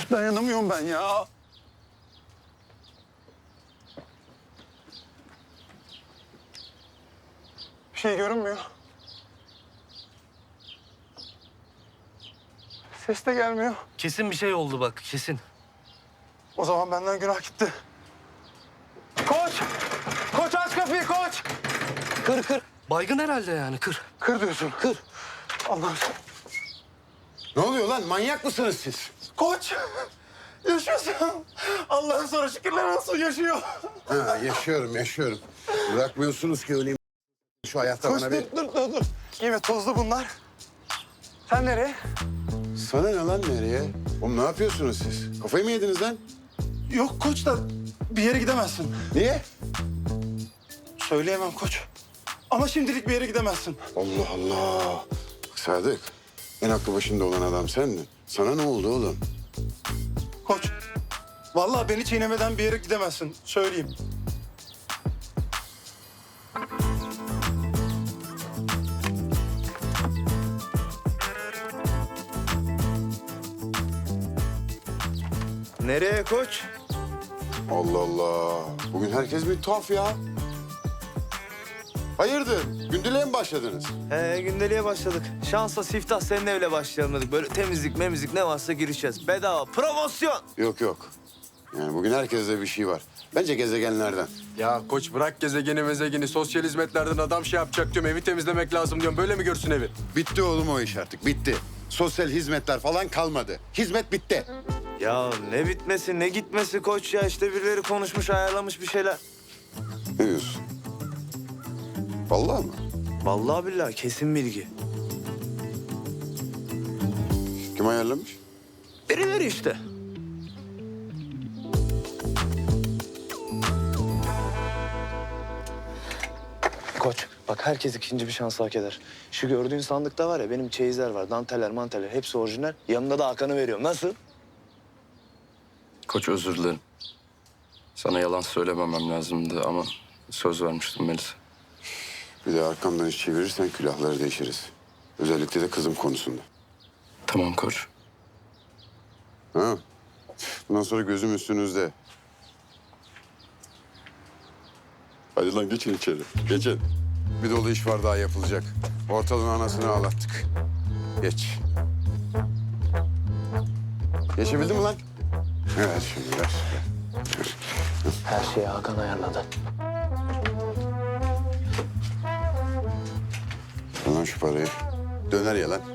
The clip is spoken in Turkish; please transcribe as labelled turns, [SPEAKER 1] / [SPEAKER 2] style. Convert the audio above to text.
[SPEAKER 1] Dayanamıyorum ben ya. Bir şey görünmüyor. Ses de gelmiyor.
[SPEAKER 2] Kesin bir şey oldu bak, kesin.
[SPEAKER 1] O zaman benden günah gitti. Koç! Koç aç kapıyı koç!
[SPEAKER 2] Kır kır. Baygın herhalde yani, kır.
[SPEAKER 1] Kır diyorsun.
[SPEAKER 2] Kır.
[SPEAKER 1] Allah'ım.
[SPEAKER 3] Ne oluyor lan? Manyak mısınız siz?
[SPEAKER 1] Koç! Yaşıyorsun. Allah'ım sana şükürler olsun yaşıyor.
[SPEAKER 3] Ha, yaşıyorum. Bırakmıyorsunuz ki öleyim şu hayatta
[SPEAKER 1] Koç
[SPEAKER 3] bana
[SPEAKER 1] dur,
[SPEAKER 3] bir...
[SPEAKER 1] dur. Evet tozlu bunlar. Sen nereye?
[SPEAKER 3] Sana ne lan nereye? Oğlum ne yapıyorsunuz siz? Kafayı mı yediniz lan?
[SPEAKER 1] Yok koç da bir yere gidemezsin.
[SPEAKER 3] Niye?
[SPEAKER 1] Söyleyemem koç. Ama şimdilik bir yere gidemezsin.
[SPEAKER 3] Allah Allah. Sadık, en aklı başında olan adam sendin. Sana ne oldu oğlum?
[SPEAKER 1] Koç, vallahi beni çiğnemeden bir yere gidemezsin. Söyleyeyim.
[SPEAKER 2] Nereye koç?
[SPEAKER 3] Allah Allah. Bugün herkes bir tuhaf ya. Hayırdır? Gündeliğe mi başladınız?
[SPEAKER 4] Gündeliğe başladık. Şansa siftah senin evle başlayalım dedik. Böyle temizlik memizlik ne varsa girişeceğiz. Bedava promosyon.
[SPEAKER 3] Yok. Yani bugün herkeste bir şey var. Bence gezegenlerden.
[SPEAKER 5] Ya koç bırak gezegeni mezegeni. Sosyal hizmetlerden adam şey yapacak diyorum. Evi temizlemek lazım diyorum. Böyle mi görsün evi?
[SPEAKER 3] Bitti oğlum o iş artık, bitti. Sosyal hizmetler falan kalmadı. Hizmet bitti.
[SPEAKER 4] Ya ne bitmesi ne gitmesi koç ya. İşte birileri konuşmuş ayarlamış bir şeyler.
[SPEAKER 3] Ne diyorsun? Vallahi mı?
[SPEAKER 4] Vallahi billahi kesin bilgi.
[SPEAKER 3] Kim ayarlamış?
[SPEAKER 4] Birileri işte. Koç bak herkes ikinci bir şans hak eder. Şu gördüğün sandıkta var ya benim çeyizler var. Danteller manteller hepsi orijinal. Yanında da Hakan'ı veriyorum. Nasıl?
[SPEAKER 6] Koç özür dilerim. Sana yalan söylememem lazımdı ama söz vermiştim Melisa.
[SPEAKER 3] Bir de arkamdan iş çevirirsen külahları değişiriz. Özellikle de kızım konusunda.
[SPEAKER 6] Tamam koç.
[SPEAKER 3] Ha? Bundan sonra gözüm üstünüzde. Hadi lan geçin içeri. Geçin. Bir dolu iş var daha yapılacak. Ortalığın anasını ağlattık. Geç. Geçebildin mi lan? Evet şimdi ver.
[SPEAKER 4] Her şeyi Hakan ayarladı.
[SPEAKER 3] Al lan şu parayı. Döner ya lan.